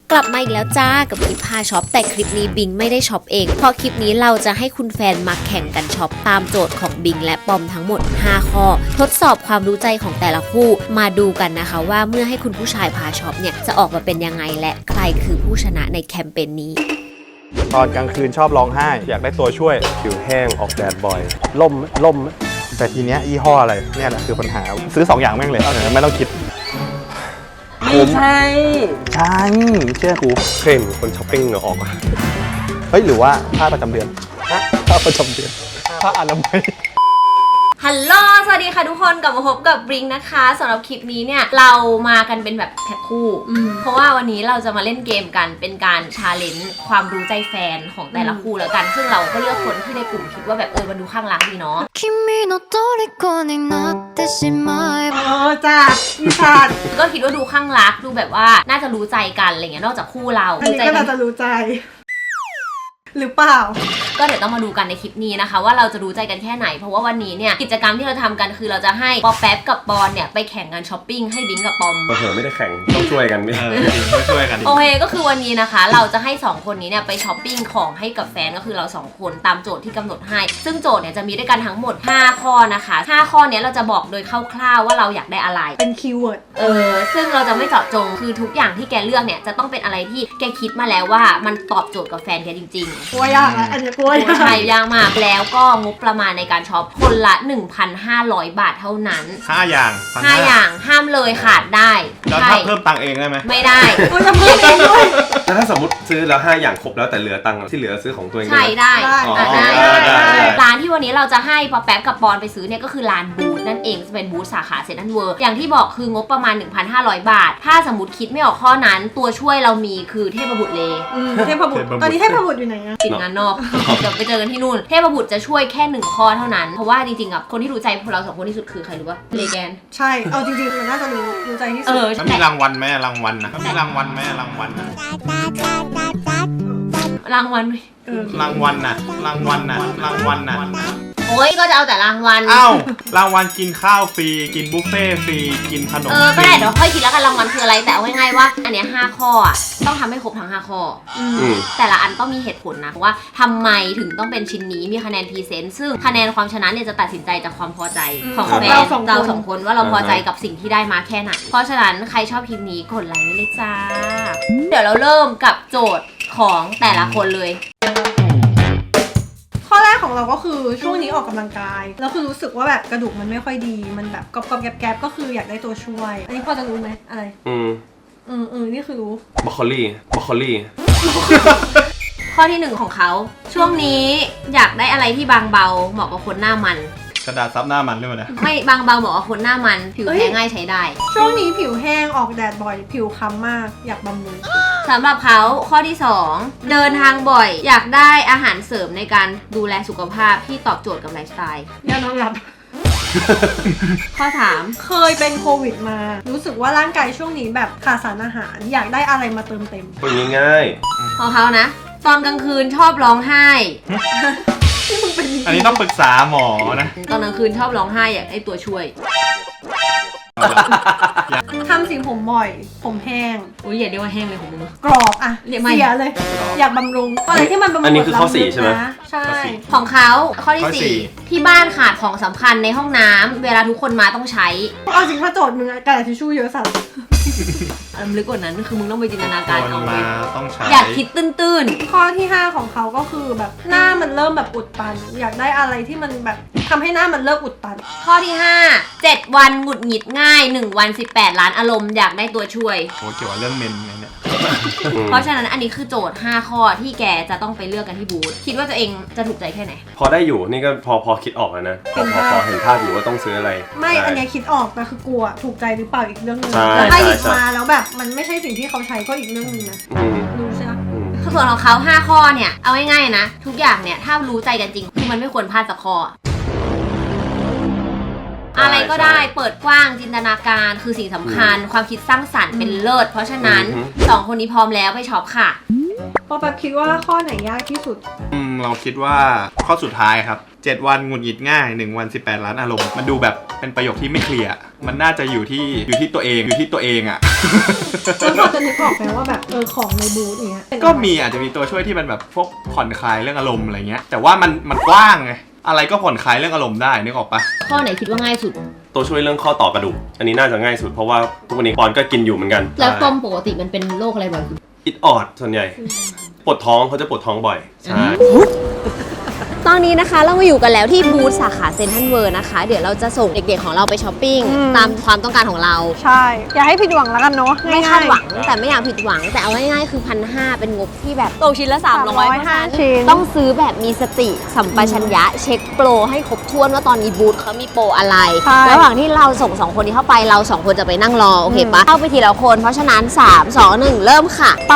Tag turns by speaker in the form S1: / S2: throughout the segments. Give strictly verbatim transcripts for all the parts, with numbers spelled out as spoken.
S1: กลับมาอีกแล้วจ้ากับคลิปพาช็อปแต่คลิปนี้บิงไม่ได้ช็อปเองเพราะคลิปนี้เราจะให้คุณแฟนมาแข่งกันช็อปตามโจทย์ของบิงและปอมทั้งหมดห้าข้อทดสอบความรู้ใจของแต่ละคู่มาดูกันนะคะว่าเมื่อให้คุณผู้ชายพาช็อปเนี่ยจะออกมาเป็นยังไงและใครคือผู้ชนะในแคมเปญนี้
S2: ตอนกลางคืนชอบร้องไห้อยากได้ตัวช่วย
S3: ผิวแห้งออกแดดบ่อยล่มล่ม
S2: แต่ทีเนี้ยยี่ห้ออะไรเนี่ยแหละคือปัญหาซื้อสองอย่างแม่งเลยไม่ต้องคิด
S4: ไม่ใช่
S2: ใช่เชื่อกู
S3: เคยเห็นคนช้อปปิ้งเหงื่อออกอ่ะ
S2: เฮ้ยหรือว่าผ้าประจำเดือนผ้าประจำเดือนผ้าอนามัย
S1: ฮัลโหลสวัสดีค่ะทุกคนกลับมาพบกับบิงนะคะสำหรับคลิปนี้เนี่ยเรามากันเป็นแบบแพ็คคู่เพราะว่าวันนี้เราจะมาเล่นเกมกันเป็นการชาเลนจ์ความรู้ใจแฟนของแต่ละคู่แล้วกันซึ่งเราก็เลือกคนที่ในกลุ่มคิดว่าแบบเออมันดูข้างรักดีเนาะ
S4: เออจ้าอีสาน
S1: ก็คิดว่าดูข้างรักดูแบบว่าน่าจะรู้ใจกันอะไรเงี้ยนอกจากคู่เรา
S4: อันนี้ก็น่าจะรู้ใจหรือเปล่า
S1: ก็เดี๋ยวต้องมาดูกันในคลิปนี้นะคะว่าเราจะรู้ใจกันแค่ไหนเพราะว่าวันนี้เนี่ยกิจกรรมที่เราทำกันคือเราจะให้ปอแป๊บกับปอนเนี่ยไปแข่งกันช้อปปิ้งให้บิงกับปอม
S3: เออไม่ได้แข่งต้องช่วยกันไม่ต้องช่วยกัน
S1: โอเคก็คือวันนี้นะคะเราจะให้สองคนนี้เนี่ยไปช้อปปิ้งของให้กับแฟนก็คือเราสองคนตามโจทย์ที่กำหนดให้ซึ่งโจทย์เนี่ยจะมีด้วยกันทั้งหมดห้าข้อนะคะห้าข้อนี้เราจะบอกโดยคร่าวๆว่าเราอยากได้อะไร
S4: เป็นคีย์เวิร์ด
S1: เออซึ่งเราจะไม่เจาะจงคือทุกอย่างที่แกเลือกเนี่ยจะต้องเป็นอะไรที่แกคิดมาแล้วว่ามันตอบโจทย์กับแฟนแกจริงๆ
S4: กลัวยากอันนี้กลัวยาก
S1: ใช่ยากมากแล้วก็งบประมาณในการช็อปคนละ หนึ่งพันห้าร้อย บาทเท่านั้น
S2: ห้าอย่าง
S1: ห้าอย่างห้ามเลยขาดได้
S2: แล้วถ้าเพิ่มตังค์เองได้ไหม
S1: ไม่ได้
S4: กูจะเพิ่มเองด้วย
S3: แต่ถ้าสมมติซื้อแล้วห้าอย่างครบแล้วแต่เหลือตังค์ที่เหลือซื้อของตัวเอง
S1: ใช่ได้ร้านที่วันนี้เราจะให้ปอแป๊บกับปอนไปซื้อเนี่ยก็คือร้านบูธนั่นเองจะเป็นบูธสาขาเซ็นทรัลเวิลด์อย่างที่บอกคืองบประมาณ หนึ่งพันห้าร้อย บาทถ้าสมมติคิดไม่ออกข้อนั้นตัวช่วยเรามีคือเทพบุตรเล
S4: เทพบุตรตอนนี้เทพบุตรอยู่ไหนอะ
S1: ติดงานนอกเดี๋ยวไปเจอกันที่นู่นเทพบุตรจะช่วยแค่หนึ่งข้อเท่านั้นเพราะว่าจริงๆอ่ะคนที่รู้ใจพวกเราสองคนที่สุดคือใครรู้ป่ะเลแกน
S4: ใช่เอาจริงๆมันน่าจะรู้รู้ใจที่สุด
S2: แล้วมีรางวัลไหมรางวัลนะมีรางวัลไหมรางวัลนะ
S1: รางวัล
S2: รางวัลน่ะรางวัลน่ะรางวัลน่ะ
S1: โอ้ยก็จะเอาแต่รางวัล
S2: อ้าวรางวัลกินข้าวฟรีกินบุฟเฟ่ฟรีกินขนม
S1: เออก็ได้เดี๋ยวค่อยคิดแล้วกันรางวัลคืออะไรแต่เอาง่ายๆว่าอันเนี้ยห้าข้ออ่ะต้องทำให้ครบทั้งห้าข้อแต่ละอันต้องมีเหตุผลนะว่าทำไมถึงต้องเป็นชิ้นนี้มีคะแนนพรีเซนต์ซึ่งคะแนนความชนะเนี่ยจะตัดสินใจจากความพอใจของแฟนเราสองคนว่าเราพอใจกับสิ่งที่ได้มาแค่ไหนเพราะฉะนั้นใครชอบคลิปนี้กดไลค์ไว้เลยจ้าเดี๋ยวเราเริ่มกับโจทย์ของแต่ละคนเลย
S4: ข้อแรกของเราก็คือช่วงนี้ออกกำลังกายแล้วคือรู้สึกว่าแบบกระดูกมันไม่ค่อยดีมันแบบกรอบๆแกบๆก็คืออยากได้ตัวช่วยอันนี้พอจะรู้ไหมอะไรอืมอืมอืมนี่คือรู้
S3: บรอกโคลีบรอกโคลี
S1: ข้อที่หนึ่งของเขาช่วงนี้อยากได้อะไรที่บางเบาเหมาะกับคนหน้ามัน
S2: กระดาษซับหน้ามันด้วยนะ
S1: ไม่บางเบาเหมาะกับคนหน้ามันผิวแห้งง่ายใช้ได้
S4: ช่วงนี้ผิวแห้งออกแดดบ่อยผิวค้ำมากอยากบำรุง
S1: สำหรับเขาข้อที่สองเดินทางบ่อยอยากได้อาหารเสริมในการดูแลสุขภาพที่ตอบโจทย์กับไลฟ์สไตล์
S4: ยานอนหลับ
S1: ข้อสาม
S4: เคยเป็นโควิดมารู้สึกว่าร่างกายช่วงนี้แบบขาดสารอาหารอยากได้อะไรมาเติมเต็ม
S3: เป็นง่าย
S1: ของเขานะตอนกลางคืนชอบร้องไห้
S2: อันนี้ต้องปรึกษาหมอนะ
S1: ตอนกลางคืนชอบร้องไห้อยากได้ตัวช่วย
S4: ทำสีผมบ่อยผมแห้ง
S1: อุ้ยอย่าเรียกว่าแห้งเลยของมึง
S4: กรอบอะเสียเลยอยากบำรุงอะไรที่มันบำรุง
S3: อันนี้คือข้อสี่ใช่ไหม
S4: ใช่
S1: ของเขาข้อที่สี่ที่บ้านขาดของสำคัญในห้องน้ำเวลาทุกคนมาต้องใช้
S4: เอาจริงถ้าโจทย์มึงกระดาษทิชชู่เยอะสัส
S1: อันลึกกว่านั้นคือมึงต้องไปจินตนาการเอา
S2: มาต้องใช้
S1: อยากคิดตื้น
S4: ๆข้อที่ห้าของเขาก็คือแบบหน้ามันเริ่มแบบอุดตันอยากได้อะไรที่มันแบบทำให้หน้ามันเลิกอุดตัน
S1: ข้อที่ห้าเจ็ดวันหงุดหงิดง่ายหนึ่งวันสิบแปดล้านอารมณ์อยากได้ตัวช่วย
S2: โอ้เกี่ยวกับเรื่องเมนเนี่ย
S1: เพราะฉะนั้นอันนี้คือโจทย์ห้าข้อที่แกจะต้องไปเลือกกันที่บูธคิดว่าตัวเองจะถูกใจแค่ไหน
S3: พอได้อยู่นี่ก็พอพอคิดออกแล้วนะพอพอพอเห็นภาพอยู่ว่าต้องซื้ออะไร
S4: ไม่อันนี้คิดออกแต่คือกลัวถูกใจหรือเปล่าอีกเรื่องนึงแล้วถ้าหยิบมาแล้วแบบมันไม่ใช่สิ่งที่เขาใช้ก็อีกเรื่องนึงนะรู้ใช่ไหม
S1: ส่วนของเขาห้าข้อเนี่ยเอาง่ายๆนะทุกอย่างเนี่ยถ้ารู้ใจกันจริงคือมันไม่ควรพลาดสักข้ออะไรก็ได้เปิดกว้างจินตนาการคือสิ่งสำคัญความคิดสร้างสรรค์เป็นเลิศเพราะฉะนั้นสองคนนี้พร้อมแล้วไปช็อปค่ะ
S4: พอแบบคิดว่าข้อไหนยากที่สุด
S5: อืมเราคิดว่าข้อสุดท้ายครับเจ็ดวันหงุดหงิดง่ายหนึ่งวันสิบแปดล้านอารมณ์มันดูแบบเป็นประโยคที่ไม่เคลียร์มันน่าจะอยู่ที่อยู่ที่ตัวเองอยู่ที่ตัวเองอ่ะ
S4: แล้วพอจะนึกออกไหมว่าแบบเออของในบูธอย่างเงี้ย
S5: ก็มีอาจจะมีตัวช่วยที่มันแบบพวกผ่อนคลายเรื่องอารมณ์อะไรเงี้ยแต่ว่ามันมันกว้างไงอะไรก็ผ่อนคลายเรื่องอารมณ์ได้นึกออกปะ
S1: ข้อไหนคิดว่าง่ายสุด
S3: ตัวช่วยเรื่องข้อต่อกระดูกอันนี้น่าจะง่ายสุดเพราะว่าทุกวันนี้ปอนก็กินอยู่เหมือนกัน
S1: แล้วปอมปกติมันเป็นโรคอะไรบ่อยสุด
S3: อิดออดส่วนใหญ่ปวดท้องเขาจะปวดท้องบ่อยใช่
S1: ตอนนี้นะคะเรามาอยู่กันแล้วที่บูธสาขาเซ็นทรัลเวิร์นะคะเดี๋ยวเราจะส่งเด็กๆของเราไปช้อปปิ้ง
S4: อืม
S1: ตามความต้องการของเรา
S4: ใช่อย่าให้ผิดหวังแล้วกันเนาะ
S1: ไม่คาดหวังแต่ไม่อยากผิดหวัง แต่เอาง่ายๆคือพันห้าเป็นงบที่แบบตกชิ้นละสามร้อย
S4: ห้าชิ้น
S1: ต้องซื้อแบบมีสติสัมปชัญญะเช็คโปรให้ครบถ้วนว่าตอนนี้บูธเขามีโปรอะไร ระหว่างที่เราส่งสองคนนี้เข้าไปเราสองคนจะไปนั่งรอโอเคปะเข้าไปทีละคนเพราะฉะนั้นสาม สอง หนึ่งเริ่มค่ะ
S4: ไป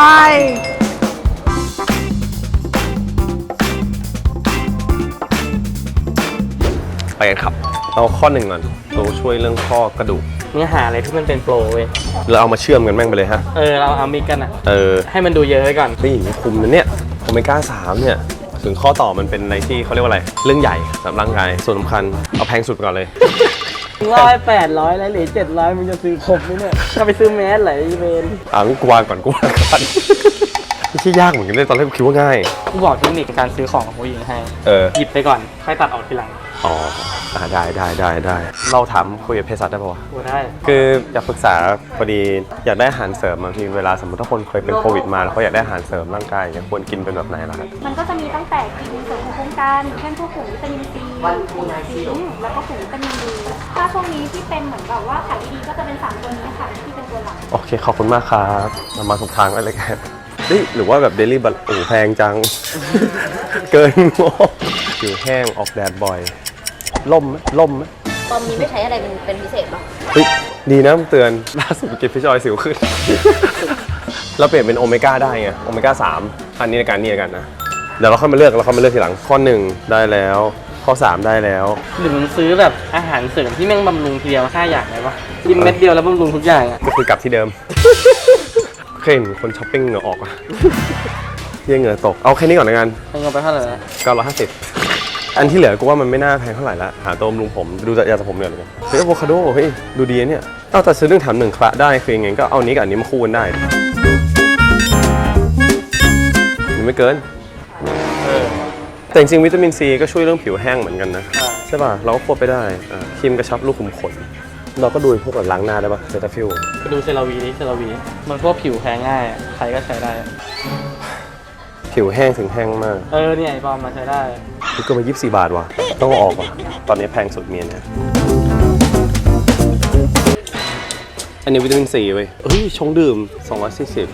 S3: ไปกันครับเอาข้อหนึ่งก่อนตัวช่วยเรื่องข้อกระดูก
S6: เนื้อหาอะไรที่มันเป็นโปรเว้ย
S3: เราเอามาเชื่อมกันแม่งไปเลยฮะ
S6: เออ เราเอามิกกันอ่ะ
S3: เออ
S6: ให้มันดูเยอะไว้ก่อน
S3: ไม่หญิงคุมนะเนี่ยโอเมก้าสามเนี่ยถึงข้อต่อมันเป็นอะไรที่เขาเรียกว่าอะไรเรื่องใหญ่สำหรับร่างกายส่วนสำคัญเอาแพงสุดก่อนเลย
S6: ร้อยแปดร้อยแล้วเหลือเจ็ดร้อยมึงจะซื้อครบไหมเนี่ยถ้าไปซื้อแมสไหลเวน
S3: อ่ะงั้นกูวางก่อนกูวางก่อนไม่ใช่ยากเหมือนกันเลยตอนแรกกูคิดว่าง่าย
S6: กูบอกเทคนิคการซื้อของของผู้หญิงให้
S3: เออ
S6: หยิบไปก่อน ค่อยตัดออกทีหลัง
S3: อ๋ออ่ะได้ได้ได้ได้เราถามคุยกับเภสัชได้ป่าวะ
S6: กูได้
S3: คืออยากปรึกษาพอดีอยากได้อาหารเสริมบางทีเวลาสมมติถ้าคนเคยเป็นโควิดมาแล้วเขาอยากได้อาหารเสริมร่างกายอย่างควรกินเป็นแบบไหนล่ะครับ
S7: มันก็จะมีตั้งแต่กินเสริมของโครงการเช่นพวกกลุ่มวิตามินซีกลุ่มซิงค์แล้วก็กลุ่มวิตามินดีถ้าช่วงนี้ที่เป็นเหมือนแบบว่าขายดีๆก็จะเป็นสามตัวนี้ค่ะที่เป็นตัวหลัก
S3: โอเคขอบคุณมากครับเรามาถูกทางแล้วเลยกันเฮ้ยหรือว่าแบบเดลี่บัตโอ้แพงจัง เกินงบผิวแห้งออกแดดบ่อยล่มไหมล่มไหม
S1: ปอมนี้ไม่ใช้อะไรเป็นเป็นพิเศษปะ
S3: เฮ้ยดีนะมึงเตือนล่าสุดกินฟิชออยล์สิวขึ้น เราเปลี่ยนเป็นโอเมก้าได้ไงโอเมก้าสามอันนี้ในการนี่ในกันนะเดี๋ยวเราค่อยมาเลือกเราค่อยมาเลือกทีหลังข้อหนึ่งได้แล้วข้อสามได้แล้ว
S6: หรือมึงซื้อแบบอาหารเสริมที่แม่งบำรุงทีเดียวห้าอย่างเลยวะกินเม็ดเดียวแล้วบำรุงทุกอย่างอ่ะ
S3: ก็คือกลับที่เดิม เคยเห็นคนช้อปปิ้งเหงื่อออกอะ เยี่ยเหงื่อตกเอาแค่นี้ก่อนละกัน
S6: มึงเอาไปเท่าไหร่ละ
S3: เก้าร้อยห้าสิบอันที่เหลือกูว่ามันไม่น่าแพงเท่าไหร่ละหาตัวบำรุงผมดูจากยาสระผมเดือดเลยเฮ้ยอะโวคาโดเฮ้ยดูดีนะเนี่ยเอาแต่ซื้อหนึ่งแถมหนึ่งคละได้คือยังไงก็เอานี้กับอันนี้มาคู่กันได้ยังไม่เกิน
S6: เออ
S3: แต่จริงๆวิตามินซีก็ช่วยเรื่องผิวแห้งเหมือนกันนะ
S6: ใช่
S3: ใช่ป่ะเราก็ควบไปได้อ่าครีมกระชับรูขุมขนเราก็ดูพวกแบบล้างหน้าได้ป่ะเซตาฟิล
S6: ไปดูเซราวีดิเซราวี มันพวกผิวแพ้ง่ายอะใครก็ใช้ได้
S3: ผิวแห้งถึงแห้งมาก
S6: เออเนี่ยไอ้ปอมมาใช้ได้
S3: นี่ก็มายี่สิบสี่บาทว่ะต้องเอาออกว่ะตอนนี้แพงสุดเมียเนี่ยอันนี้วิตามินซีเว้ยเฮ้ยชงดื่มสองร้อยสี่สิบ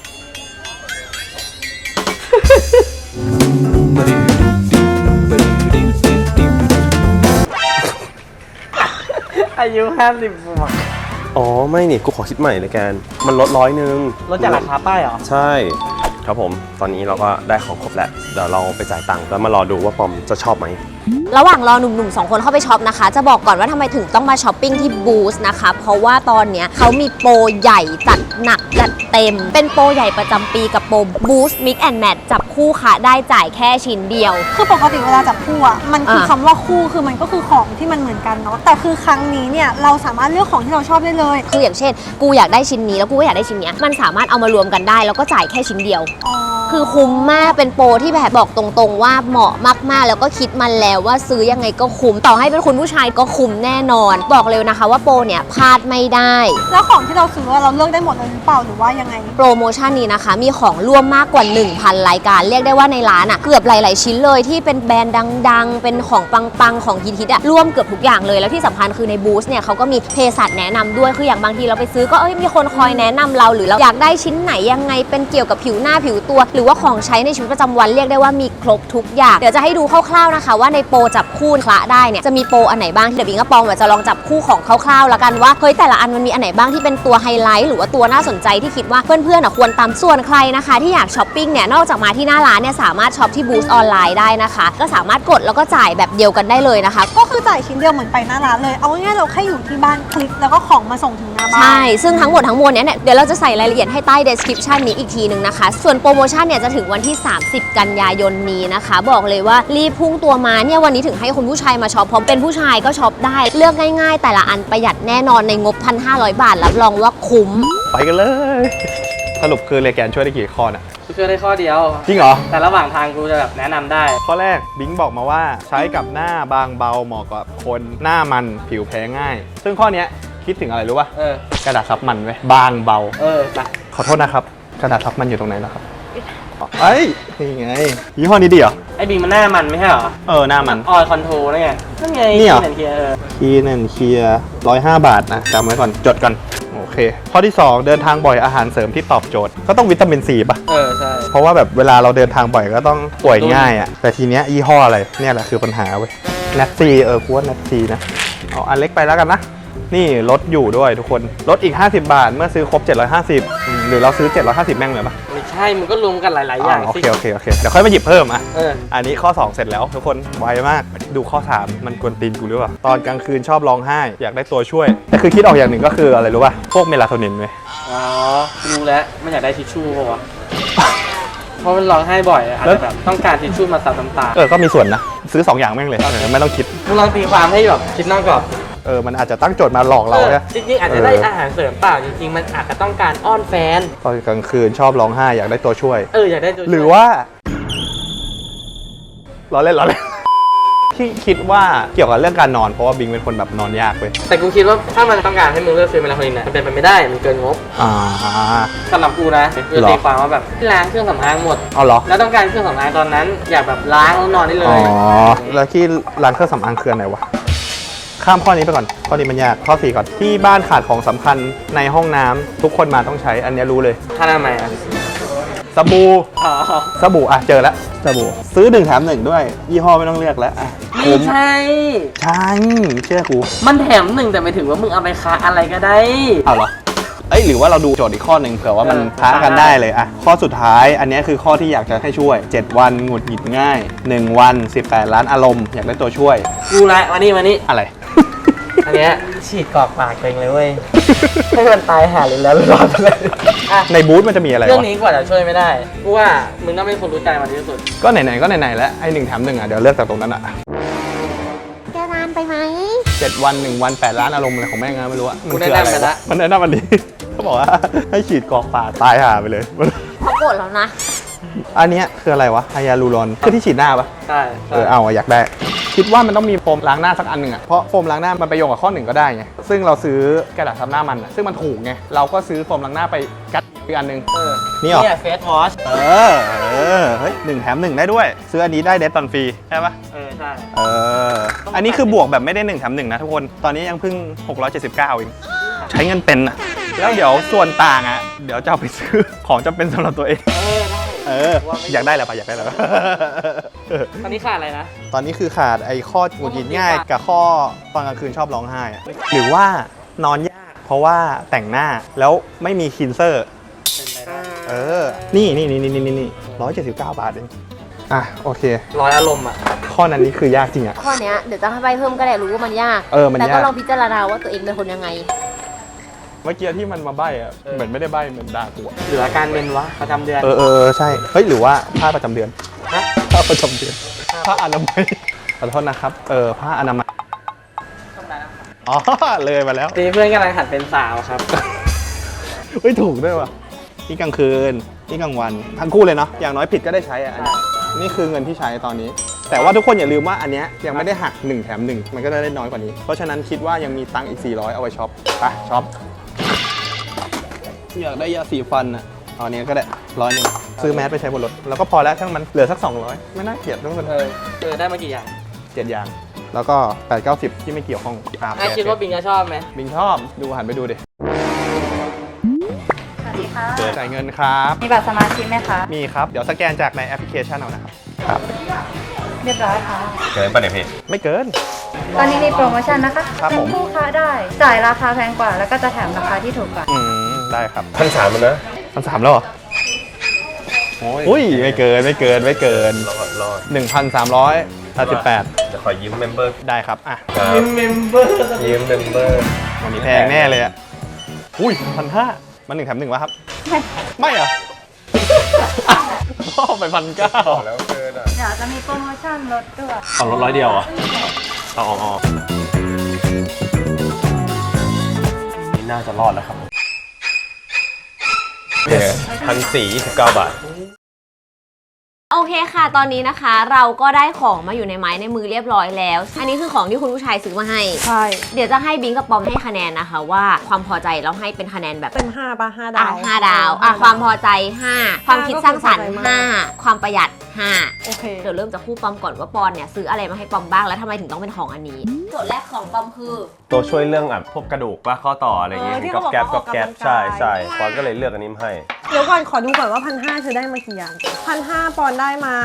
S6: อายุห้าสิบบวก
S3: อ๋อไม่นี่กูขอคิดใหม่เลยแกนมันลดร้อยนึง
S6: ลดจากราคาป้ายเหรอ
S3: ใช่ครับผมตอนนี้เราก็ได้ของครบแล้วเดี๋ยวเราไปจ่ายตังค์แล้วมารอดูว่าปอมจะชอบไหม
S1: ระหว่างรอหนุ่มๆสองคนเข้าไปช็อปนะคะจะบอกก่อนว่าทำไมถึงต้องมาช้อปปิ้งที่บูธนะคะเพราะว่าตอนเนี้ยเขามีโปรใหญ่จัดหนักจัดเต็ม เป็นโปรใหญ่ประจำปีกับโปรบูสต์มิกแอนด์แมทจับคู่ค่ะได้จ่ายแค่ชิ้นเดียว
S4: คือปกติเวลาจับคู่อ่ะมันคือ
S1: อ่ะ
S4: คำว่าคู่คือมันก็คือของที่มันเหมือนกันเนาะแต่คือครั้งนี้เนี่ยเราสามารถเลือกของที่เราชอบได้เลย
S1: คืออย่างเช่น กูอยากได้ชิ้นนี้แล้วกูก็อยากได้ชิ้นเนี้ยมันสามารถเอามารวมกันได้แล้วก็จ่ายแค่ชิ้นเดียว
S4: อ๋อ
S1: คือคุ้มมากเป็นโปรที่แบบบอกตรงๆว่าเหมาะมากๆแล้วก็คิดมันแล้วว่าซื้อยังไงก็คุ้มต่อให้เป็นคุณผู้ชายก็คุ้มแน่นอน บอกเลยนะคะว่าโปรเนี่ยพลาดไม่ได้
S4: แล้วของที่เราซื้อเราเลือกได้หมดเลยหรือเปล่าหรือว่ายังไง
S1: โปรโมชั่นนี้นะคะมีของร่วมมากกว่า หนึ่งพัน รายการเรียกได้ว่าในร้านอ่ะเกือบหลายๆชิ้นเลยที่เป็นแบรนด์ดังๆ เป็นของปังๆของฮิตๆอ่ะร่วมเกือบทุกอย่างเลยแล้วที่สำคัญคือในบูธเนี่ยเขาก็มีเภสัชแนะนำด้วยคืออย่างบางทีเราไปซื้อก็เอ้ยมีคนคอยแนะนำเราหรือเราอยากได้ชิ้นไหนยังไงเป็นเกี่ยวกับผิวหน้าผิวตัว หรือว่าของใช้ในชีวิตประจำวันเรียกได้ว่ามีครบทุกอย่างเดี๋ยวจะให้ดูคร่าวๆนะคะว่าในโปรจับคู่คละได้เนี่ยจะมีโปรอันไหนบ้างเดี๋ยวบิงกับปองจะลองจับคู่ของคร่าวๆแล้วกันว่าเฮ้ยแต่ละอันมันมีอันไหนบ้างที่เป็นตัวไฮไลท์หรือว่าตัวน่าสนใจที่คิดว่าเพื่อนๆอ่ะควรตามส่วนใครนะคะที่อยากช้อปปิ้งเนี่ยนอกจากมาที่หน้าร้านเนี่ยสามารถช็อปที่บูธออนไลน์ได้นะคะก็สามารถกดแล้วก็จ่ายแบบเดียวกันได้เลยนะคะ
S4: ก็คือจ่ายชิ้นเดียวเหมือนไปหน้าร้านเลยเอาง่ายๆเราแค่อยู่ที่บ้านคลิกแล้วก็ของมาส่งถึงหน้าบ้าน
S1: ใช่ซึ่งทั้งหมดทั้งมวลเนี้ยเนี่ยเดี๋ยวเราจะใส่รายละเอียดให้ใต้ description นี้อีกทีหนึ่งนะคะส่วนโปรโมชั่นชั่นเนี่ยจะถึงวันที่ สามสิบ กันยายนนี้นะคะ บอกเลยว่ารีบพุ่งตัวมาเนี่ยวันนี้ถึงให้คุณผู้ชายมาช็อปเพราะเป็นผู้ชายก็ช็อปได้เลือกง่ายๆ แต่ละอันประหยัดแน่นอนในงบ หนึ่งพันห้าร้อย บาทรับรองว่าคุ้ม
S2: ไปกันเลย สรุปคือเลแกนช่วยได้กี่ข้อน่ะ
S6: กูช่วยได้ข้อเดียว
S2: จริงเหรอ
S6: แต่ระหว่างทางกูจะแบบแนะนำได้
S2: ข้อแรกบิงบอกมาว่าใช้กับหน้าบางเบาเหมาะกับคนหน้ามันผิวแพ้ง่าย ซึ่งข้อเนี้ยคิดถึงอะไรรู้ป่ะ
S6: เออ
S2: กระดาษซับมันไว้บางเบา
S6: เออไป
S2: ขอโทษนะครับ กระดาษซับมันอยู่ตรงไหนแล้วครับเอ้ยนี่ไงยี่ห้อนี้ดีเหรอ
S6: ไอ้บิงมันหน้ามันไม่ใช่เหรอ
S2: เออหน้ามัน
S6: ออยคอนโทรนั่นไงนั่นไง
S2: นี่เหรอ
S6: เขียนเออ
S2: คีย์นั่นเคลียร์ร้อยห้าบาทนะจำไว้ก่อนจดก่อนโอเค ข้อที่ สอง เดินทางบ่อยอาหารเสริมที่ตอบโจทย์ก็ต้องวิตามินซีป่ะ
S6: เออใช่
S2: เพราะว่าแบบเวลาเราเดินทางบ่อยก็ต้องป่วยง่ายอ่ะแต่ทีเนี้ยยี่ห้ออะไรเนี่ยแหละคือปัญหาเว้ยแนทซีเออกูว่าแนทซีนะเอาอันเล็กไปแล้วกันนะนี่ลดอยู่ด้วยทุกคนลดอีกห้าสิบบาทเมื่อซื้อครบเจ็ดร้อยห้าสิบอืมหรือเราซื้อเจ็ดร้อยห้าสิบแม่งเลยปะ
S6: ไม่ใช่มันก็รวมกันหลาย ๆ อย่าง
S2: โอ
S6: สิ
S2: เคโอเคโอเคเดี๋ยวค่อยมาหยิบเพิ่มอ่ะ
S6: เออ
S2: อันนี้ข้อ สอง เสร็จแล้วทุกคนไวมากดูข้อ สาม มันกวนตีนกูหรือเปล่าตอนกลางคืนชอบร้องไห้อยากได้ตัวช่วยแต่คือคิดออกอย่างหนึ่งก็คืออะไรรู้ป่ะพวกเมลาโทนินเว้ย
S6: อ๋อรู้แล้วมันอยากได้ทิชชู่ป่ะวะ เพราะมันร้องไห้บ่อยอะอาจจะแบบต้องการทิชชู่มาซับน้ำตา
S2: เออก็มีส่วนนะซื้อสองอย่างแม่งเลยเออไม่ต้องคิด
S6: มึงลองตีความให้แบบคิดนอกกรอบ
S2: เออมันอาจจะตั้งโจทย์มาหลอกเรา
S6: ออ
S2: เนี่ย
S6: จริงๆอาจจะได้อาหารเสริมเปล่าจริงๆมันอาจจะต้องการอ้อนแฟน
S2: ตอนกลางคืนชอบร้องไห้อยากได้ตัวช่วย
S6: เอออยากได้ตัวช่วย
S2: หรือว่าล้อเล่นล้อเล่น ที่คิดว่าเกี่ยวกับเรื่องการนอนเพราะว่าบิงเป็นคนแบบนอนยากเว้ย
S6: แต่กูคิดว่าถ้ามันต้องการให้มึงเลือกซื้อเมลาโทนินนะมันเป็นไปไม่ได้มันเกินงบ
S2: อ่า
S6: สำหรับกูนะคือ
S2: หรอ
S6: ตีความว่าแบบล้างเครื่องสำอางหมด
S2: เอาเหรอ
S6: แล้วต้องการเครื่องสำอางตอนนั้น อยากแบบล้างแล้วนอนได้เล
S2: อ๋อย แล้วที่ร้านเครื่องสำอางคืออนไหนวะข้ามข้อนี้ไปก่อนข้อนี้มันยากข้อสี่ก่อนที่บ้านขาดของสำคัญในห้องน้ำทุกคนมาต้องใช้อันเนี้ยรู้เลย
S6: ค่าหน้าใหม่อ่ะ
S2: สบู่
S6: อ๋อ
S2: สบู่อ่ะเจอแล้วสบู่ซื้อหนึ่งแถมหนึ่งด้วย ยี่ห้อไม่ต้องเลือกแล้วอ่ะ
S6: ไม่
S2: คุ้ม
S6: ใช่
S2: ใช่เชื่อกู
S6: มันแถมหนึ่งแต่ไม่ถึงว่ามึงเอาไปค้าอะไรก็ได้
S2: เอาเหรอเอ้ยหรือว่าเราดูโจทย์อีกข้อหนึ่งเผื่อว่ามัน
S6: เออ
S2: ค้ากันได้เลยอ่ะข้อสุดท้ายอันเนี้ยคือข้อที่อยากจะให้ช่วย เจ็ด วันหงุดหงิดง่ายหนึ่งวันสิบแปดล้านอารมณ์อยากได้ตัวช่วย
S6: กูละมานี่มานี่
S2: อะไร
S6: อันเนี้ยฉีดกรอกปากตัวเองเลยเว้ย ให้มันตายหาเลยแล้วรอดไปเลยอ่ะ
S2: ในบูธมันจะมีอะไร
S6: เรื่อง
S2: วะ
S6: นี้กว่าจะช่วยไม่ได้กูว่ามึงต้องเป็นคนรู้ใจมันที่สุด
S2: ก็ไหนๆก็ไหนๆแล้วไอ้หนึ่งแถมหนึ่งอ่ะเดี๋ยวเลือกจากตรงนั้นอ่ะ
S1: แกนานไปไหม
S2: เจ็ดวันหนึ่งวันแปดล้านอารมณ์อะไรของแม่งนะไม่รู้อ่ะมัน
S6: กู
S2: คือ
S6: แนะ
S2: อะไร
S6: นำไป
S2: วะ
S6: ละ
S2: มันแนะนำมันดี เขาบอกว่าให้ฉีดกรอกปากตายห่าไปเลย
S1: เขาโกรธแล้วนะ
S2: อันเนี้ยคืออะไรวะไฮยาลูรอนคือที่ฉีดหน้าปะ
S6: ใช่
S2: เออเอาอะอยากได้ คิดว่ามันต้องมีโฟมล้างหน้าสักอันหนึ่งอะเพราะโฟมล้างหน้ามันไปโยงกับข้อหนึ่งก็ได้ไงซึ่งเราซื้อกระดาษซับหน้ามันอะซึ่งมันถูกไงเราก็ซื้อโฟมล้างหน้าไปกัดอีกอันหนึ่ง
S6: เออ
S2: นี่เหรอ
S6: เนี่ยเฟสวอช
S2: เออเออเฮ้ยหนึ่งแถมหนึ่งได้ด้วย ซื้ออันนี้ได้เดทตอนฟรีใช่ปะ
S6: เออใช่
S2: เอออันนี้คือบวกแบบไม่ได้หนึ่งแถมหนึ่งนะทุกคนตอนนี้ยังเพิ่งหกร้อยเจ็ดสิบเก้าเองใช้เงินเป็นอะแล้วเดี๋ยวส่วนต่างอะเดี๋ยวจะเอาไปซื้อของจำเป็นสำหรับตัวเอง
S6: เออได้
S2: เอออยากได้แล้วปะอยากได้แล้ว
S6: ตอนนี้ขาดอะไรนะ
S2: ตอนนี้คือขาดไอ้ข้อหงุดหงิดง่ายกับข้อตอนกลางคืนชอบร้องไห้อะหรือว่านอนยากเพราะว่าแต่งหน้าแล้วไม่มีคินเซอร์
S6: เป็นไปได้
S2: เออ นี่นี่นี่นี่นี่นี่ร้อยเจ็ดสิบเก้าบาทเองอ่ะโอเค
S6: ร้อยอารมณ์อ่ะ
S2: ข้อนั้นนี่คือยากจริงอ่ะ
S1: ข้อเนี้ยเดี๋ยวจะให้ใบเพิ่มก็ได้รู้ว่ามันยาก
S2: เออมัน
S1: แต่
S2: ยา
S1: ก็
S2: ก
S1: ลองพิจารณาว่าตัวเองเป็นคนยังไง
S2: เมื่อกี้ที่มันมาใบ้อะเหมือนไม่ได้ใบ้เหมือนด่ากูอะ
S6: หรืออาการเป็นวะประจำเดือน
S2: เออเออเออใช่เฮ้ยหรือว่าผ้าประจำเดือน
S6: ฮะ
S2: ผ้าประจำเดือนผ้าอนามัยขอโทษนะครับเออผ้าอนามัยอ๋อเลยมาแล้ว
S6: ทีนี้เพื่อนกำลังหัดเป็นสาวครับ
S2: เฮ้ยถูกด้วยว่ะนี่กลางคืนนี่กลางวันทั้งคู่เลยเนาะอย่างน้อยผิดก็ได้ใช้อ่ะอันนี้นี่คือเงินที่ใช้ตอนนี้ แต่ว่าทุกคนอย่าลืมว่าอันเนี้ยยังไม่ได้หักหนึ่งแถมหนึ่งมันก็ได้น้อยกว่านี้เพราะฉะนั้นคิดว่ายังมีตังค์อีกสี่ร้อยเอาไว้ช็อปไปช็อปอยากได้ยาสีฟันอ่ะเอาอันนี้ก็ได้ร้อยหนึ่งซื้อแมสไปใช้บนรถแล้วก็พอแล้วช่างมันเหลือสักสองร้อยไม่น่าเกลียดทุกคน
S6: เออเออได้มากี่อย่าง
S2: เจ็ดอย่างแล้วก็แปดเก้าสิบที่ไม่เกี่ยวข้องอ่ะ
S6: ไอคิดว่าบิงจะชอบไหม
S2: บิงชอบดูหันไปดูดิ
S7: สวัสดีค่ะ
S2: จ่ายเงินครับ
S7: มีบัตรสมาชิกไหมคะ
S2: มีครับเดี๋ยวสแกนจากในแอปพลิเคชันเอานะครับครับ
S7: เรียบร้อยค่ะ
S3: เกินป่ะเนี่ยพี่
S2: ไม่เกิน
S7: ตอนนี้มีโปรโมชั่นนะคะ
S2: ครับ
S7: เป็
S2: ผ
S7: น
S2: ม
S7: คู่ค้าได้ จ่ายราคาแพงกว่า แล้วก็จะแถมราคาที่ถูกกว่า
S2: อืมได้ครับ
S3: พันสามมันนะ
S2: พันสามแล้วเหรออุ้ยไม่เกินไม่เกินไม่เกิน
S3: รอดรอด
S2: หนึ่งพันสามร้อยแปดสิบแปด
S3: จะขอยืมเมมเบอร์
S2: ได้ครับอ่ะ
S6: ยืมเมมเบอร์
S3: ยืมเมมเบอร์
S2: วันนี้แพงแน่เลยอ่ะอุ้ยพันห้ามันหนึ่งแถมหนึ่งวะครับ ไม่เหรอไปพันเก้า
S3: แล้วเกินอ่ะ
S7: เดี๋ยวจะมีโปรโมชั่นลดด้วย
S3: เอารถร้อยเดียวอ่ะเอาเอาเอานี่น่าจะรอดแล้วครับโอเคพันสี่ยี่สิบเก้าบาท
S1: โอเคค่ะ ตอนนี้นะคะเราก็ได้ของมาอยู่ในไม้ในมือเรียบร้อยแล้ว อันนี้คือของที่คุณผู้ชายซื้อมาให้
S4: ใช่
S1: เดี๋ยวจะให้บิงกับปอมให้คะแนนนะคะ ว่าความพอใจเราให้เป็นคะแนนแบบ
S4: เต็มห้าป่ะห้า
S1: อ่ะ
S4: ดาว
S1: ห้าดาวอ่ะความพอใจห้าความคิดสร้างสรรค์
S4: ก็คือพอใจมาก
S1: ห้าความประหยัดห้า
S4: โอเค
S1: เดี๋ยวเริ่มจากคู่ปอมก่อนว่าปอนเนี่ยซื้ออะไรมาให้ปอมบ้างแล้วทำไมถึงต้องเป็นของอันนี้โจทย์แรกของปอมคือ
S3: ตัวช่วยเรื่องแบบพวกกระดูกว่าข้อต่ออะไรอย่างเงี้ย
S4: เออที่
S3: กับ
S4: เขาบอก
S3: แก๊บ
S4: ว่า
S3: กับแก๊บ
S4: ออกกำลังกาย
S3: ใช่ใช่ปอนก็เลยเลือกอันนี้มาให้
S4: เดี๋ยวก่อนขอดูก่อนว่าพันห้าเธอได้มากี่อย่างพันห้าปอนด์ได้มา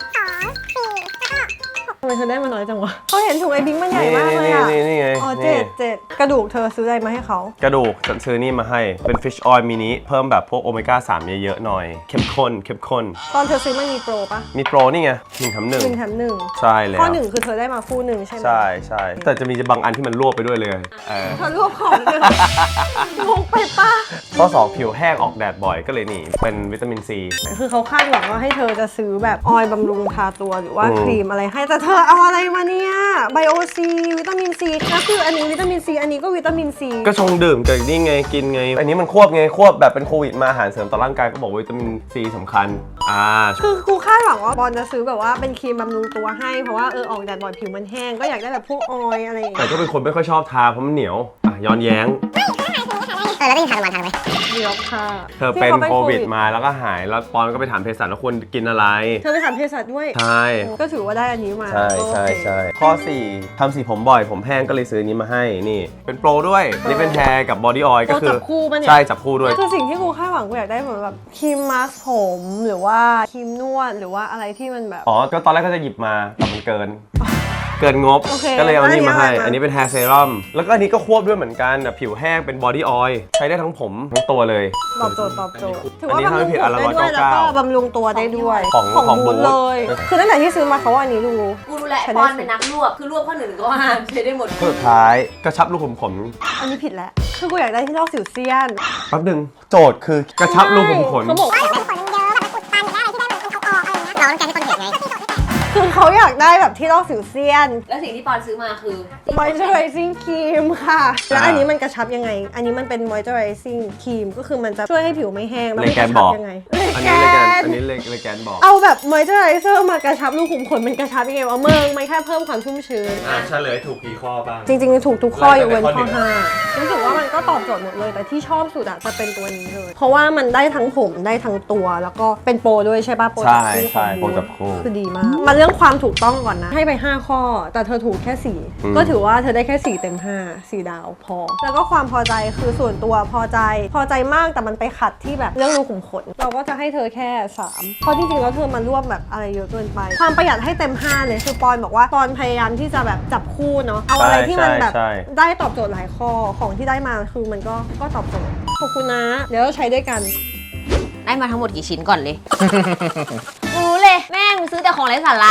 S4: ทำไมเธอได้มาน้อยจังวะเขาเห็นถุงไอ้บิงมันใหญ่มากเลยอ่ะ
S3: นี่นี่นี่ไง
S4: อ๋อ
S3: นี่
S4: เจ็ดเจ็ดกระดูกเธอซื้ออะไรมาให้เขา
S3: กระดูกฉันซื้อนี่มาให้เป็น fish oil มินิเพิ่มแบบพวกโอเมก้าสามเยอะๆหน่อยเข้มข้นเข้มข้น
S4: ตอนเธอซื้อมันมีโปรปะ
S3: มีโปรนี่ไงหนึ่งแถมหนึ่ง
S4: หนึ่งแถมหนึ่ง
S3: ใช่แล้ว
S4: ข้อหนึ่งคือเธอได้มาคู่หนึ่งใช่ไหม
S3: ใช่ใช่แต่จะมีบางอันที่มันรวบไปด้วยเลยเออ
S4: เธอรวบของเลยงงไปปะ
S3: ข้อสองผิวแห้งออกแดดบ่อยก็เลยนี่เป็นวิตามินซี
S4: คือเขาคาดหวังว่าให้เธอจะซื้อแบบออยล์บำรุงทาตัวหรือว่า
S3: อืม
S4: ครีมอะไรให้แต่เธอเอาอะไรมาเนี่ยไบโอซีวิตามินซีแล้วคืออันนี้วิตามินซีอันนี้ก็วิตามินซี
S3: ก็ชงดื่มกับนี่ไงกินไง อันนี้มันควบไงควบแบบเป็นโควิดมาอาหารเสริมต่อร่างกายก็บอกว่าวิตามินซีสำคัญอ่า
S4: คือกูคาดหวังว่าบอลจะซื้อแบบว่าเป็นครีมบำรุงตัวให้เพราะว่าเออออกแดดบ่อยผิวมันแห้งก็อยากได้แบบพวกออยล์อะไรอย่าง
S3: แต่
S4: เงี้ย
S3: ก็เป็นคนไม่ค่อยชอบทาเพราะมันเหนียวอ่ะย้อนแย้ง
S7: เออแล้วได้ยินทานวันทานไหม
S4: เดี๋ยวค่ะ
S3: เธอเป็นโควิดมาแล้วก็หายแล้วปอนก็ไปถามเภสัชว่าควรกินอะไร
S4: เธอไปถามเภสัชด้วย
S3: ใช่
S4: ก็ถือว่าได้อันนี้มา
S3: ใช่ใช่
S4: โอเค
S3: ใช่ข้อสี่ทำสีผมบ่อยผมแห้งก็เลยซื้ออนนี้มาให้นี่ เป็นโปรด้วยนี่เป็นแฮร์กับบอดี้ออยล์ก็
S4: โปร
S3: คื
S4: จั
S3: อบ
S4: คู่ปะเนี่ย
S3: ใช่จับคู่ด้วย
S4: คือสิ่งที่กูคาดหวังกูอยากได้เหมือนแบบครีมมาสก์ผมหรือว่าครีมนวดหรือว่าอะไรที่มันแบบ
S3: อ๋อ ก็ตอนแรกก็จะหยิบมาแต่มันเกิน เกินงบ
S4: โอเค
S3: ก็เลยเอานี่มาให้
S4: แล้วอันนี้อะไรมา
S3: อันนี้เป็นแฮร์เซรั่ม แล้วก็อันนี้ก็ควบด้วยเหมือนกันแบบผิวแห้งเป็นบอดี้ออยล์ใช้ได้ทั้งผมทั้งตัวเลย
S4: ตอบโจทย์ตอบโจทย์ถือ
S3: อัน
S4: ว่า
S3: นี้
S4: บำรุง
S3: ทำให้ผิด
S4: ผ
S3: อั
S4: ม
S3: นละ
S4: ได้ด้วย
S3: ร้อยเก้า
S4: แล้ว
S3: เก้า
S4: ก็บำรุงตัวได้ด้วย
S3: ของของบูธ
S4: เลย คือตั้งแต่ที่ซื้อมาเขาว่าอันนี้ดู
S1: กูรู้แหละ
S4: ใช้
S1: ป
S4: ได้
S1: อนเป็นนักรวบคือรวบข้อหนึ่งก็ห้ามใช้ได้หมด
S3: สุดท้ายกระชับรูขุมขน
S4: อันนี้ผิดแล้ว คือกูอยากได้ที่ลอกสิวเซียน
S3: แป๊บหนึงโจทย์คือกระชับรูขุมขน
S4: เขาบอก
S7: ไม่ได้ขนเยอะแบบมันอุดตันอยากได้อะไรที่ได้มันเอาออกอะไรเงี้ยเราต้องการให้คนเห็นไง
S4: คือเขาอยากได้แบบที่ลอกสิวเซียน
S1: แล้วสิ่งที่ปอนซื้อมาคือ
S4: moisturizing cream ค่ะ แล้วอันนี้มันกระชับยังไง อันนี้มันเป็น moisturizing cream ก็คือมันจะช่วยให้ผิวไม่แห้งแล้ว
S3: เล
S4: มัน
S3: แก
S4: ก
S3: น
S4: ระ
S3: บ
S4: ชั
S3: อบ ก
S4: ยังไง
S3: อันนี้เลแกนอันนี้เลเลแกนบอก
S4: เอาแบบ moisturizer มากระชับรูขุมขนมันกระชับยังไงวะเมืองมันแค่เพิ่มความชุ่มชื้น
S5: อ่ะเฉลยถูกกี่ข้อบ้าง
S4: จริงๆ ถูกทุกข้อยกเว้น
S5: ข้อ
S4: ข้อ
S5: หนึ่ง
S4: ห้ารู้สึกว่ามันก็ตอบโจทย์หมดเลย แต่ที่ชอบสุดอะจะเป็นตัวนี้เลย เพราะว่ามันได้ทั้งผมได้ทั้งตัว แล้วก็เป็นโปรด้วยใช่ป่ะโปรจับคู่
S3: ใช่ใช่
S4: ของ
S3: โปรจับคู่
S4: คือดีมาก มาเรื่องความถูกต้องก่อนนะ ให้ไปห้าข้อ แต่เธอถูกแค่สี่
S3: อืม
S4: ก็ถือว่าเธอได้แค่สี่เต็มห้า สี่ดาวพอ แล้วก็ความพอใจคือส่วนตัวพอใจ พอใจมากแต่มันไปขัดที่แบบเรื่องรูขุมขน เราก็จะให้เธอแค่สามเพราะจริงๆแล้วเธอมารวบแบบอะไรเยอะเกินไป ความประหยัดให้เต็มห้าเลยคือปอนบอกว่าปอนพยายามที่จะแบบจับคู่เนาะ เอาอะไรที่มันแบบ
S3: ใช่ใช่
S4: ได้ตอบโจทย์หลายข้อของที่ได้มาคือมันก็ก็ตอบโจทย์ขอบคุณนะ เดี๋ยวเราใช้ด้วยกัน
S1: ได้มาทั้งหมดกี่ชิ้นก่อนเลย รู้เลย แม่งซื้อแต่ของไร้สาระ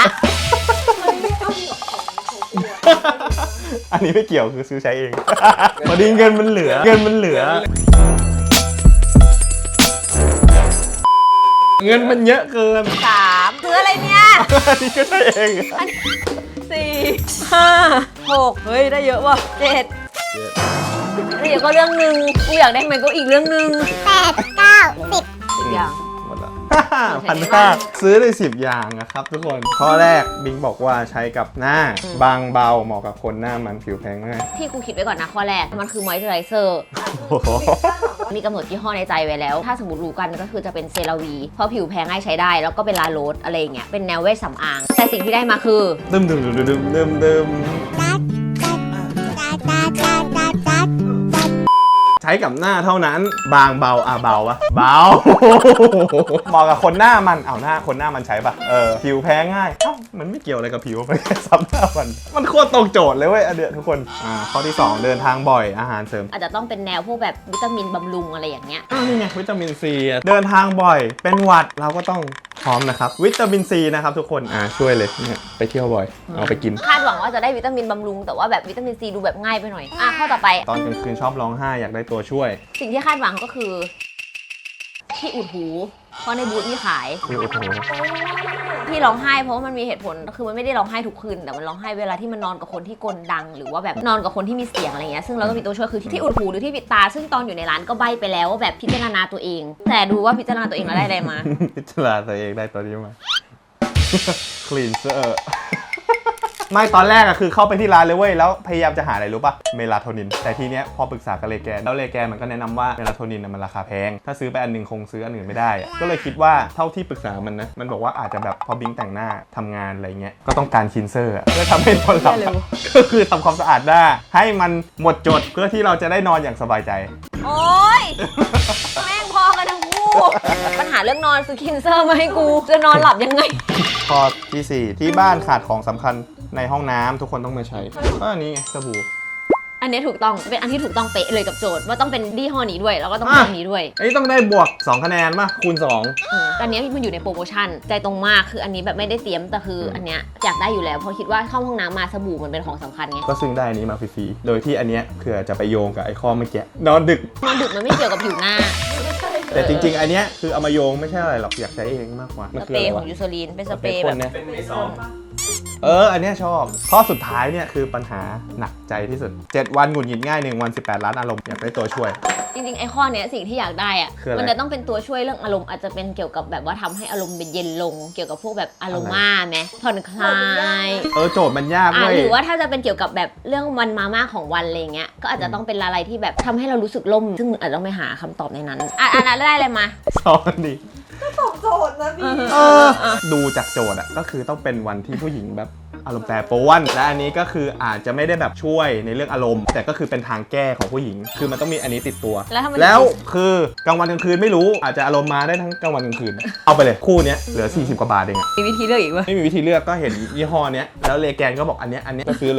S2: อันนี้ไม่เกี่ยวคือซื้อใช้เอง พอดีเงินมันเหลือ เงินมันเหลือ เงินมันเยอะเกิน
S1: สามซื้ออะไรเนี่ย
S2: อันนี้ก็ใช้เอง
S1: สี่ห้าหกเฮ้ย ได้เยอะว่ะเจ็ดเดี๋ยวก็เรื่องหนึ่งกูอยากได้มันก็อีกเรื่องหนึ่ง
S7: แปดเก้าสิบ
S1: สิบอย่าง
S2: หมดละ พันห้าซื้อได้สิบอย่างนะครับทุกคน ข้อแรกบิงบอกว่าใช้กับหน้า บางเบาเหมาะกับคนหน้ามันผิวแพ้ง่าย
S1: ที่กูคิดไว้ก่อนนะข้อแรก มันคือมอยส์เจอไรเซอร์
S2: โอ้โห
S1: มีกำหนดยี่ห้อในใจไว้แล้ว ถ้าสมมติรู้กันก็คือจะเป็นเซราวีเพราะผิวแพ้ง่ายใช้ได้ แล้วก็เป็นลาโรสอะไรอย่างเงี้ยเป็นแนวเวชสำอาง แต่สิ่งที่ได้มาคือ
S2: ดึมดึมดึมดึมดึมดึมใช้กับหน้าเท่านั้น บางเบาอ่ะเบาปะเบา เหมาะกับคนหน้ามันเอาหน้าคนหน้ามันใช้ปะเออผิวแพ้ง่ายเอ้ามันไม่เกี่ยวอะไรกับผิวมันแค่ซ้ำหน้ามันมันโคตรตรงโจทย์เลยเว้ยอันเนี้ยทุกคนอ่าข้อที่สองเดินทางบ่อยอาหารเสริม
S1: อาจจะต้องเป็นแนวพวกแบบวิตามินบำรุงอะไรอย่างเงี้ย
S2: อ้าวนี่ไงวิตามินซีเดินทางบ่อยเป็นหวัดเราก็ต้องพร้อมนะครับวิตามินซีนะครับทุกคนอ่าช่วยเลยเนี่ยไปเที่ยวบ่อยเอาไปกิน
S1: คาดหวังว่าจะได้วิตามินบำรุงแต่ว่าแบบวิตามินซีดูแบบง่ายไปหน่อยอ่ะข้อต่อไป
S2: ตอนกลางคืนชอบร้องไห้อยากได้ตัวช่วย
S1: สิ่งที่คาดหวังก็คือ ที่อุดหูเพราะในบูธมีขาย
S2: โอ้โห
S1: ที่ร้องไห้เพราะว่ามันมีเหตุผลคือมันไม่ได้ร้องไห้ทุกคืนแต่มันร้องไห้เวลาที่มันนอนกับคนที่กลดัง หรือว่าแบบนอนกับคนที่มีเสียงอะไรเงี้ยซึ่งเราก็มีตัวช่วยคือที่อุดหูหรือที่ปิดตาซึ่งตอนอยู่ในร้านก็ใบ้ไปแล้วว่าแบบพิจารณาตัวเอง แต่ดูว่าพิจารณาตัวเองแล้วได้อะไรมา
S2: พิจารณาตัวเองได้ตัวนี้มา คลีนเซอร์ ไม่ตอนแรกอะคือเข้าไปที่ร้านเลยเว้ยแล้วพยายามจะหาอะไรรู้ป่ะเมลาโทนินแต่ทีเนี้ยพอปรึกษากับเลแกนแล้วเลแกนมันก็แนะนำว่าเมลาโทนินน่ะมันราคาแพงถ้าซื้อไปอันหนึงคงซื้ออันอื่นไม่ได้อะก็เลยคิดว่าเท่าที่ปรึกษามันนะมันบอกว่าอาจจะแบบพอบิงแต่งหน้าทำงานอะไรเงี้ยก็ต้องการคลีนเซอร์อะเพื่อทำให้นอนหลับอะก็คือทำความสะอาดหน้าให้มันหมดจดเพื่อที่เราจะได้นอนอย่างสบายใจ
S1: โอ๊ย แม่งพอกันทั้งคู่ปัญหาเรื่องนอนซื้อคินเซอร์มาให้กูจะนอนหลับยังไง
S2: ข้อที่สี่ที่บ้านขาดของสำคัญในห้องน้ำทุกคนต้องมาใช้ก็อันนี้ไงสบู่
S1: อันนี้ถูกต้องเป็นอันที่ถูกต้องเป๊ะเลยกับโจทย์ว่าต้องเป็นยี่ห้อนี้ด้วยแล้วก็ต้องเป็นอันนี้ด้วย
S2: อันนี้ต้องได้บวกสองคะแนนป่ะคูณสอง
S1: อืมอันเนี้ยมันอยู่ในโปรโมชั่นใจตรงมากคืออันนี้แบบไม่ได้เตรียมแต่คืออันเนี้ยอยากได้อยู่แล้วเพราะคิดว่าเข้าห้องน้ำมาสบู่มันเป็นของสำคัญไง
S2: ก็ซึ่งได้อันนี้มาฟรีๆโดยที่อันเนี้ยเผื่อจะไปโยงกับไอ้ข้อเมื่อกี้นอนดึก
S1: นอนดึกมันไม่เกี่ยวกับผิวหน้า
S2: แต่จริงๆ อันเนี้ยคือเอามาโยงไม่ใช่อะไรหรอกอยากใช้เองมากกว่า
S1: ส
S2: มัน
S1: เป
S2: คือ
S1: ร
S2: อะไร
S1: ย์ขอ
S2: วะ
S1: งยูโซลีนเป็นสเป
S2: เป็
S1: ร
S2: น
S1: ย์
S2: ค
S1: แบ
S2: น
S1: บ
S2: เนี่ย
S6: เป็นมิสอง
S2: เอออันเนี้ยชอบข้อสุดท้ายเนี่ยคือปัญหาหนักใจที่สุดเจ็ดวันหงุดหงิดง่ายหนึ่งวันสิบแปดล้านอารมณ์อยากได้ตัวช่วย
S1: จริงๆไอ้ข้อเนี้ยสิ่งที่อยากได้อะ
S2: คืออะไร
S1: มันจะต้องเป็นตัวช่วยเรื่องอารมณ์อาจจะเป็นเกี่ยวกับแบบว่าทำให้อารมณ์เป็นเย็นลง เกี่ยวกับพวกแบบอารม่าไหมผ่อนคลาย
S2: เออโจทย์มันยาก
S1: อ่ะ
S2: เว้ย
S1: หรือว่าถ้าจะเป็นเกี่ยวกับแบบเรื่องวันมาม่าของวันอะไรเงี้ยก็อาจจะต้องเป็นอะไรที่แบบทำให้เรารู้สึกล่มซึ่งอาจจะต้องไปหาคำตอบในนั้นอ่ะอันนั้นได้เลยมา
S2: สอนดิ
S4: ตอบโจทย์นะพี่
S2: เออดูจากโจทย์อะก็คือต้องเป็นวันที่ผู้หญิงแบบอารมณ์แปรปรวนและอันนี้ก็คืออาจจะไม่ได้แบบช่วยในเรื่องอารมณ์ แต่ก็คือเป็นทางแก้ของผู้หญิง คือมันต้องมีอันนี้ติดตัว
S1: แล้วถ้ามัน
S2: แล้วคือกลางวันกลางคืนไม่รู้อาจจะอารมณ์มาได้ทั้งกลางวันกลางคืน เอาไปเลยคู่เนี้ยเหลือสี่สิบกว่าบาทเองอะ
S1: มีวิธีเลือกอีกวะ
S2: ไม่มีวิธีเลือกก็เห็นยี่ห้อเนี้ยแล้วเลแกนก็บอกอันเนี้ยอันเนี้ยก็ซื้อเลย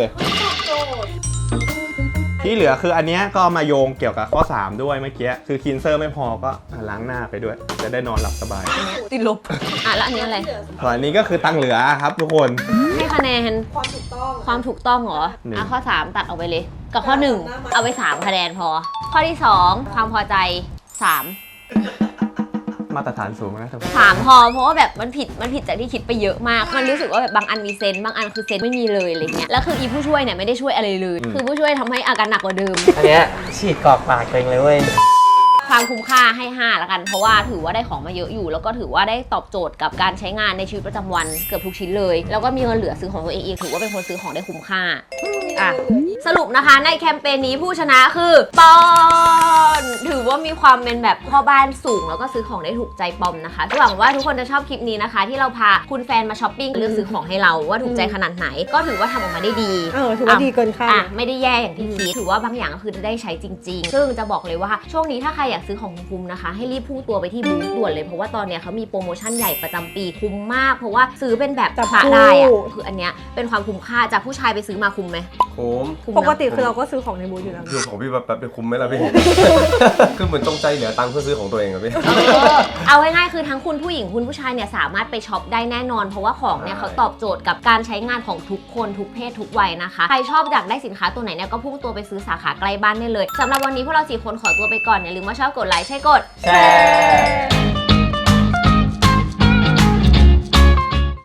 S2: ที่เหลือคืออันเนี้ยก็เอามาโยงเกี่ยวกับข้อสามด้วยเมื่อกี้คือคินเซอร์ไม่พอก็ล้างหน้าไปด้วย จะได้นอนหลับสบาย
S1: ติดลบอ่ะแล้วอันนี้อะไร
S2: ส่วนอันนี้ก็คือตังเหลือครับทุกคน
S1: ให้คะแนน
S4: ความถูกต้อง
S1: ความถูกต้องเหรอ
S2: หนึ่ง
S1: อ่ะข้อสามตัดออกไปเลย กับข้อหนึ่งเอาไปสามคะแนนพอ ข้อที่สองความพอใจสาม
S2: มาตรฐานสูงนะทุกคน
S1: สามพอเพราะว่าแบบมันผิดมันผิดจากที่คิดไปเยอะมาก มันรู้สึกว่าแบบบางอันมีเซนส์บางอันคือเซนส์ไม่มีเลยอะไรเงี้ยแล้วคืออีผู้ช่วยเนี่ยไม่ได้ช่วยอะไรเลย คือผู้ช่วยทำให้อาการหนักกว่าเดิม
S6: อันเนี้ยฉีดกรอกปากตัวเองเลยเว้ย
S1: ความคุ้มค่าให้ห้าละกันเพราะว่าถือว่าได้ของมาเยอะอยู่ แล้วก็ถือว่าได้ตอบโจทย์กับการใช้งานในชีวิตประจำวันเกือบทุกชิ้นเลย แล้วก็มีเงินเหลือซื้อของตัวเองอีกถือว่าเป็นคนซื้อของได้คุ้มค่าอ่ะสรุปนะคะในแคมเปญนี้ผู้ชนะคือปอนถือว่ามีความเป็นแบบพ่อบ้านสูงแล้วก็ซื้อของได้ถูกใจปอมนะคะหวังว่าทุกคนจะชอบคลิปนี้นะคะ ที่เราพาคุณแฟนมาช้อปปิ้งเลือกซื้อของให้เราว่าถูกใจขนาดไหน ก็ถือว่าทำออกมาได้ดี
S4: เออถือว่าดีเกินคาด
S1: อ่ะไม่ได้แย่อย่างที่คิดถือว่าบางอย่างก็คือได้ใช้จริง ๆ ซึ่งจะบอกเลยว่าช่วงนี้ถ้าใครอยากซื้อของคุ้มๆนะคะ ให้รีบพุ่งตัวไปที่บูธด่วนเลยเพราะว่าตอนเนี้ยเขามีโปรโมชั่นใหญ่ประจำปีคุ้มมาก เพราะว่าซื้อเป็นแบบ
S4: จับ
S1: พระ
S4: คู่
S1: ได้อะคืออันเนี้ยเป็นความคุ้มค่าจากผู้ชายไปซื้อมาคุ้มไหม
S3: โค้ม
S1: คุ้ม
S4: ปก
S1: เนาะ
S4: ติคือเราก็ซื้อของในบูธอยู่แล้ว
S3: อยู่ของพี่แบบแบบเป็นคุ้มไหมล่ะพี่ คือเหมือนจงใจเหลือตังค์เพื่อซื้อของตัวเองอะพี่
S1: เออเอาง่ายๆคือทั้งคุณผู้หญิงคุณผู้ชายเนี่ยสามารถไปช็อปได้แน่นอน เพราะว่าของเนี่ยเขาตอบโจทย์กับการใช้งานของทุกคนทุกเพศทุกวัยนะคะใครชอบอยากได้สินค้าตัวไหนเนี่ยก็พุ่งตัวไปซื้อสาขาใกล้บ้านได้เลยสำหรับวันนี้พวกเราสี่คนขอตัวไปก่อนอย่าลืมว่าชอบกดไลค์ใช่กด
S6: แชร์